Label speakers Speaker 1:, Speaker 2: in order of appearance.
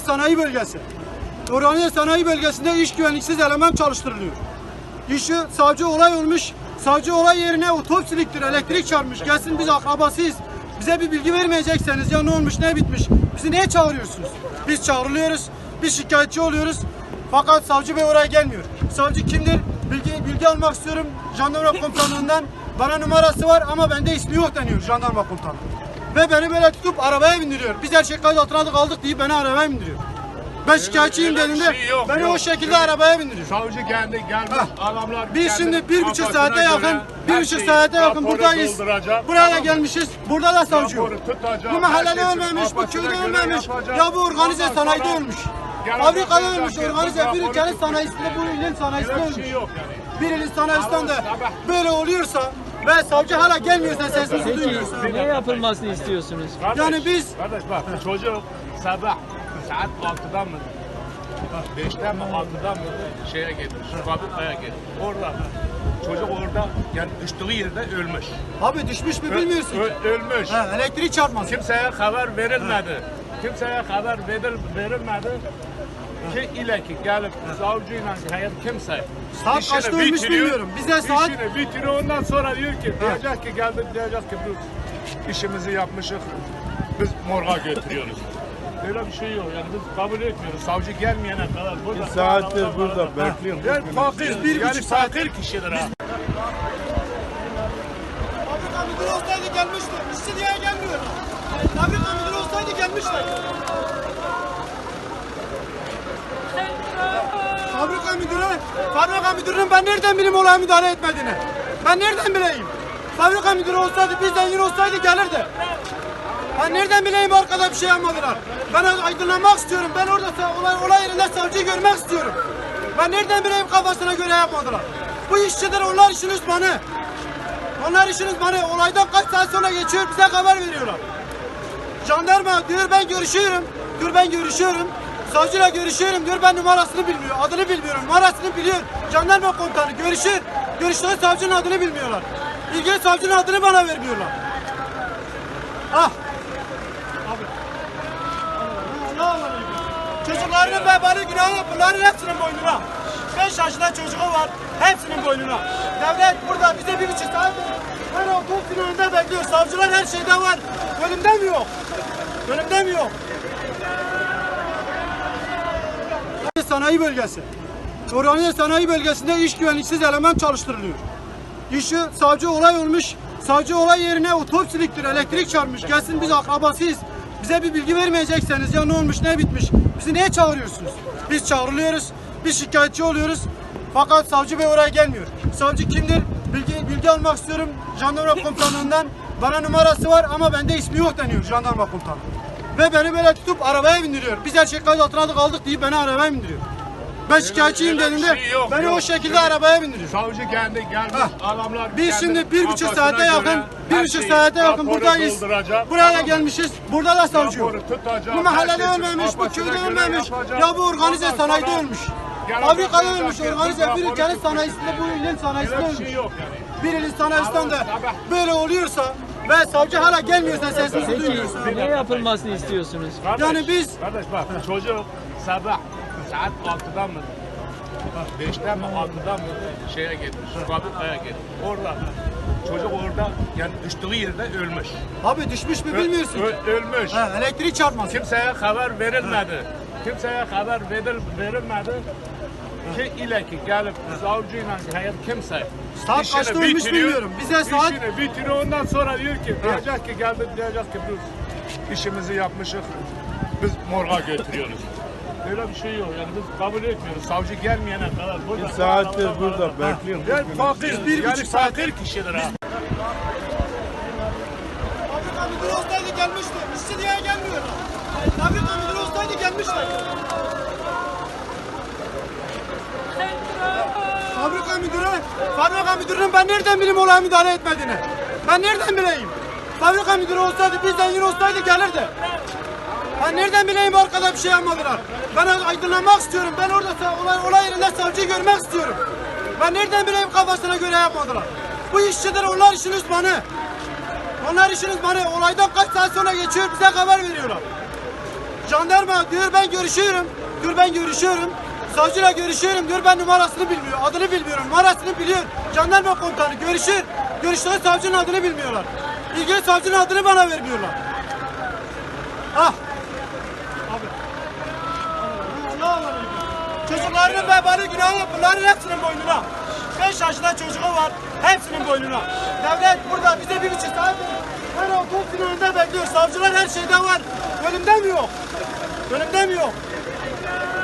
Speaker 1: Sanayi Bölgesi. Organize Sanayi Bölgesi'nde iş güvenliksiz eleman çalıştırılıyor. İşi savcı olay olmuş. Savcı olay yerine otopsiliktir, elektrik çarpmış. Gelsin biz akrabasıyız. Bize bir bilgi vermeyecekseniz ya ne olmuş ne bitmiş. Bizi niye çağırıyorsunuz? Biz çağrılıyoruz. Biz şikayetçi oluyoruz. Fakat savcı bey oraya gelmiyor. Savcı kimdir? Bilgi almak istiyorum jandarma komutanlığından. Bana numarası var ama bende ismi yok deniyor jandarma komutanı. Ve beni böyle tutup arabaya bindiriyor. Biz her şey kayıt altına aldık deyip beni arabaya bindiriyor. Ben şikayetçiyim dediğinde beni o şekilde arabaya bindiriyor.
Speaker 2: Savcı geldi gelmez adamlar.
Speaker 1: Biz şimdi 1,5 saate yakın, 1,5 saate yakın buradayız. Buraya gelmişiz. Burada da savcı yok. Bu mahallede ölmemiş, bu köyde ölmemiş. Ya bu organize sanayide ölmüş. Fabrikada ölmüş, organize bir ülkenin sanayisinde, bu ilin sanayisinde ölmüş. Bir ilin sanayisinden de böyle oluyorsa ve savcı hala gelmiyorsa sesimizi duymuyorsa.
Speaker 3: Ne yapılmasını istiyorsunuz?
Speaker 1: Yani biz...
Speaker 2: Kardeş bak çocuk sabah saat 6'dan mı? 5'ten mi 6'dan mı şeye gitmiş, fabrikaya gitmiş. Orada çocuk orada yani düştüğü yerde ölmüş.
Speaker 1: Abi düşmüş mü bilmiyorsun.
Speaker 2: Ölmüş.
Speaker 1: Elektrik çarpması.
Speaker 2: Kimseye haber verilmedi. Kimseye haber verilmedi. Ki ile ki gelip savcıyla hayat kimse
Speaker 1: Saat kaçta ölmüş bilmiyorum. Bize saat...
Speaker 2: İşini bitiriyor ondan sonra diyor ki diyecek ki geldik diyecek ki biz işimizi yapmışız. Biz morga götürüyoruz. Öyle bir şey yok yani biz kabul etmiyoruz. Savcı gelmeyene kadar burada.
Speaker 4: Bir saattir burada bekliyorum.
Speaker 2: Yani fakir,
Speaker 1: bir
Speaker 2: yani
Speaker 1: buçuk saat.
Speaker 2: fakir kişidir ha.
Speaker 1: Fabrika müdürü olsaydı gelmişti. İşçi diye gelmiyor. Fabrika müdürü olsaydı gelmişti. Fabrika müdürünün ben nereden bileyim olaya müdahale etmediğini? Ben nereden bileyim? Fabrika müdürü olsaydı, bizden yine olsaydı gelirdi. Ben nereden bileyim arkada bir şey yapmadılar. Ben aydınlanmak istiyorum. Ben orada olay yerinde savcıyı görmek istiyorum. Ben nereden bileyim kafasına göre yapmadılar. Bu işçiler, onlar işin uzmanı. Onlar işin uzmanı. Olaydan kaç saat sonra geçiyor, bize haber veriyorlar. Jandarma diyor ben görüşüyorum. Diyor ben görüşüyorum. Savcıyla görüşüyorum diyor, ben numarasını bilmiyor, adını bilmiyorum, numarasını biliyor. Jandarma komutanı görüşür, görüştüğü savcının adını bilmiyorlar. İlgili savcının adını bana vermiyorlar. Ah! Abi. Çocuklarının vebali günahı bunların hepsinin boynuna. 5 yaşında çocuğu var, hepsinin boynuna. Devlet burada bize 1,5 saat her otobüsün önünde bekliyor. Savcılar her şeyde var. Bölümde mi yok? Bölümde mi yok? Sanayi Bölgesi. Organize Sanayi Bölgesi'nde iş güvenliksiz eleman çalıştırılıyor. İşi savcı olay olmuş. Savcı olay yerine otopsiliktir, elektrik çarpmış. Gelsin biz akrabasıyız. Bize bir bilgi vermeyecekseniz ya ne olmuş ne bitmiş. Bizi niye çağırıyorsunuz? Biz çağrılıyoruz. Biz şikayetçi oluyoruz. Fakat savcı bey oraya gelmiyor. Savcı kimdir? Bilgi almak istiyorum jandarma komutanlığından. Bana numarası var ama bende ismi yok deniyor jandarma komutanı. Ve beni böyle tutup arabaya bindiriyor. Biz her şey kayıt altına aldık deyip beni arabaya bindiriyor. Ben şikayetçiyim dediğinde beni o şekilde arabaya bindiriyor.
Speaker 2: Savcı geldi gelmez adamlar.
Speaker 1: Biz şimdi 1,5 saate yakın, 1,5 saate yakın buradayız. Buraya da gelmişiz. Burada da savcı yok. Bu mahallede ölmemiş, bu köyde ölmemiş. Ya bu organize sanayide ölmüş. Fabrikada ölmüş, organize bir ülkenin sanayisinde, bu ilin sanayisinde ölmüş. Bir ilin sanayisinden de böyle oluyorsa ve savcı hala gelmiyorsa sesimizi duymuyorsa.
Speaker 3: Ne yapılmasını istiyorsunuz?
Speaker 1: Yani biz...
Speaker 2: Kardeş bak çocuk sabah saat 6'dan mı? 5'ten mi 6'dan mı şeye gitmiş, fabrikaya gitmiş. Orada çocuk orada yani düştüğü yerde ölmüş.
Speaker 1: Abi düşmüş mü bilmiyorsun.
Speaker 2: Ölmüş.
Speaker 1: Elektrik çarpması.
Speaker 2: Kimseye haber verilmedi. Kimseye haber verilmedi. Ki ile ki gelip savcıyla hayat kimse
Speaker 1: Saat kaçta ölmüş bilmiyorum. Bize saat...
Speaker 2: İşini bitiriyor ondan sonra diyor ki diyecek ki geldik diyecek ki biz işimizi yapmışız. Biz morga götürüyoruz. Öyle bir şey yok yani biz kabul etmiyoruz. Savcı gelmeyene kadar burada.
Speaker 4: Bir saattir burada bekliyorum.
Speaker 2: Yani fakir,
Speaker 1: bir
Speaker 2: yani
Speaker 1: buçuk saat.
Speaker 2: fakir kişidir ha.
Speaker 1: Fabrika müdürü olsaydı gelmişti. İşçi diye gelmiyor. Fabrika müdürü olsaydı gelmişti. Fabrika müdürünün ben nereden bileyim olaya müdahale etmediğini? Ben nereden bileyim? Fabrika müdürü olsaydı, bizden yine olsaydı gelirdi. Ben nereden bileyim arkada bir şey yapmadılar. Ben aydınlanmak istiyorum. Ben orada olay yerinde savcıyı görmek istiyorum. Ben nereden bileyim kafasına göre yapmadılar. Bu işçiler, onlar işin uzmanı. Onlar işin uzmanı. Olaydan kaç saat sonra geçiyor, bize haber veriyorlar. Jandarma diyor ben görüşüyorum. Diyor ben görüşüyorum. Savcıyla görüşüyorum diyor ben numarasını bilmiyor. Adını bilmiyorum. Numarasını biliyor. Jandarma komutanı görüşür. Görüştüğü savcının adını bilmiyorlar. İlgili savcının adını bana vermiyorlar. Ah. Abi. Allah Allah. Çocuklarının vebali günahı bunların hepsinin boynuna. 5 yaşında çocuğu var. Hepsinin boynuna. Devlet burada bize 1,5 saat her otobüsün önünde bekliyor. Savcılar her şeyde var. Bölümde mi yok? Bölümde mi yok?